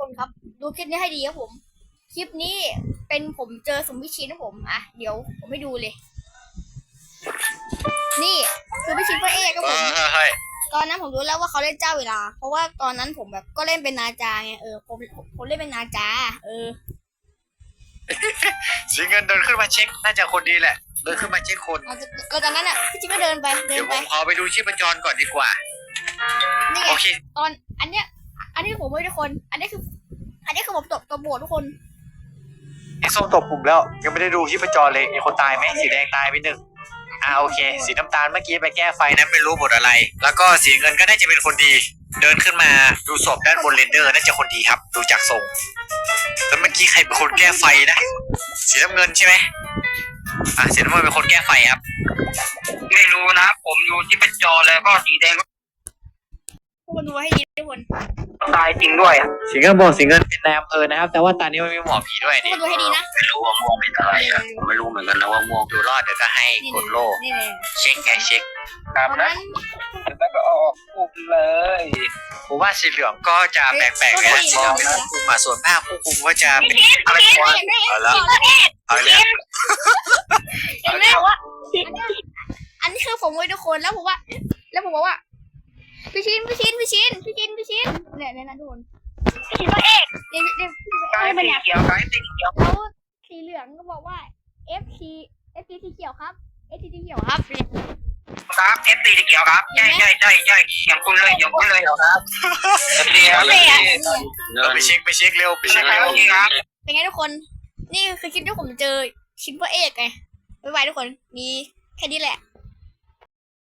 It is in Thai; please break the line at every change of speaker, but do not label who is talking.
คนครับดูคลิปนี้ให้ดีครับผมคลิปนี้เป็นผมเจอสมพิชิตนะผมอ่ะเดี๋ยวผมให้ดูเลย นี่คือพิชิตพระเอกครับผมตอนนั้นผมรู้แล้วว่าเขาเล่นเจ้าเวลาเพราะว่าตอนนั้นผมแบบก็เล่นเป็นนาจาไงผมเล่นเป็นนาจา
สีเงินเดินขึ้นมาเช็คน่าจะคนดีแหละเดินขึ้นมาเช็คคน
ก็ตอนนั้นอ่ะพิชิตก็เดินไป
เดี๋ยวผมขอไปดูชีพจรก่อนดีกว่า
นี่ไง
โอเค
ตอนอันเนี้ยผมไม่ทุกคนอันนี้คือผมตบโบทุกคน
ไอ้ส้มตบปุ่มแล้วยังไม่ได้ดูชีพจรเลยมีคนตายไหมสีแดงตายไปหนึ่งโอเคสีน้ำตาลเมื่อกี้ไปแก้ไฟนั้นไม่รู้บทอะไรแล้วก็สีเงินก็น่าจะเป็นคนดีเดินขึ้นมาดูศพด้านบนเรนเดอร์น่าจะคนดีครับดูจากทรงแล้วเมื่อกี้ใครเป็นคนแก้ไฟนะสีน้ำเงินใช่ไหมสีน้ำเงินเป็นคนแก้ไฟครับ
ไม่รู้นะผมดูที่เป็นจอแล้วก็สีแดงก็
ทุกคนดูให้ดีทุกคน
ตายจริงด้วย
สีเงินบอกสีเงินเป็นนายอำเภอนะครับแต่ว่าตอนนี้ไม่มีหมอผีด้วย
ทุกคนดูให้ดีนะ
ไม่รู้ว่าม่วงเป็นอะไรผมไม่รู้เหมือนกันนะว่าม่วง
ดูรอดเดี๋ยวก็ให้กดโล่เช็คไงเช็ค
ตามนะแล้วก็ออกปุ๊บเลย
ผมว่าสีเหลืองก็จะแปลกๆนะสีเหลืองเป็นผู้คุมส่วนภาคผู้คุมก็จะเป็นอะไรวะเอาละ
อันนี้คือผมไว้ทุกคนแล้วผมบอกว่าพี่ชินเนี่ยนะทุกคนพี่ชินพระเอกเนี่ย
กายสีเขียวกายสีเขียว
แล้วสีเหลืองก็บอกว่า FC สีเขียวครับ FC สีเขียวครับ
ครับเอฟซีสีเขียวครับใช่อย่างคุณเลยครับเอฟซีครับ
ไปเช็คเร็วไปเช็ค
ครับ
เป็นไงทุกคนนี่คือคลิปที่ผมเจอชินพระเอกไงบ๊ายบายทุกคนมีแค่นี้แหละ